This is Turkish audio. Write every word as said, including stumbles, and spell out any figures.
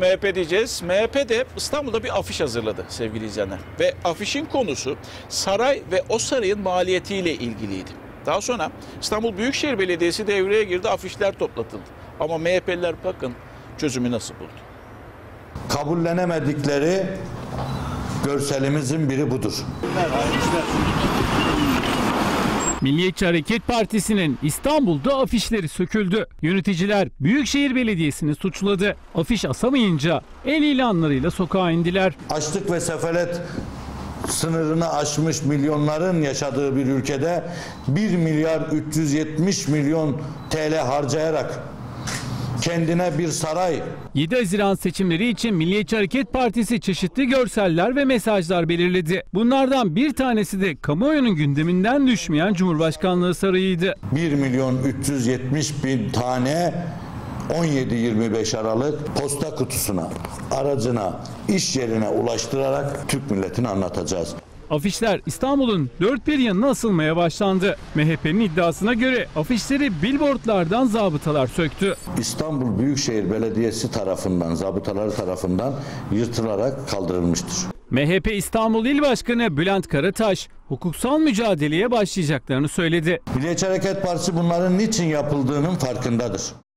M H P diyeceğiz. M H P de İstanbul'da bir afiş hazırladı sevgili izleyenler. Ve afişin konusu saray ve o sarayın maliyetiyle ilgiliydi. Daha sonra İstanbul Büyükşehir Belediyesi devreye girdi, afişler toplatıldı. Ama M H P'liler bakın çözümü nasıl buldu. Kabullenemedikleri görselimizin biri budur. Milliyetçi Hareket Partisi'nin İstanbul'da afişleri söküldü. Yöneticiler Büyükşehir Belediyesi'ni suçladı. Afiş asamayınca el ilanlarıyla sokağa indiler. Açlık ve sefalet sınırını aşmış milyonların yaşadığı bir ülkede bir milyar üç yüz yetmiş milyon T L harcayarak kendine bir saray. yedi Haziran seçimleri için Milliyetçi Hareket Partisi çeşitli görseller ve mesajlar belirledi. Bunlardan bir tanesi de kamuoyunun gündeminden düşmeyen Cumhurbaşkanlığı Sarayı'ydı. bir milyon üç yüz yetmiş bin tane on yedi yirmi beş Aralık posta kutusuna, aracına, iş yerine ulaştırarak Türk milletine anlatacağız. Afişler İstanbul'un dört bir yanına asılmaya başlandı. M H P'nin iddiasına göre afişleri billboardlardan zabıtalar söktü. İstanbul Büyükşehir Belediyesi tarafından, zabıtaları tarafından yırtılarak kaldırılmıştır. M H P İstanbul İl Başkanı Bülent Karataş hukuksal mücadeleye başlayacaklarını söyledi. Milliyetçi Hareket Partisi bunların niçin yapıldığının farkındadır.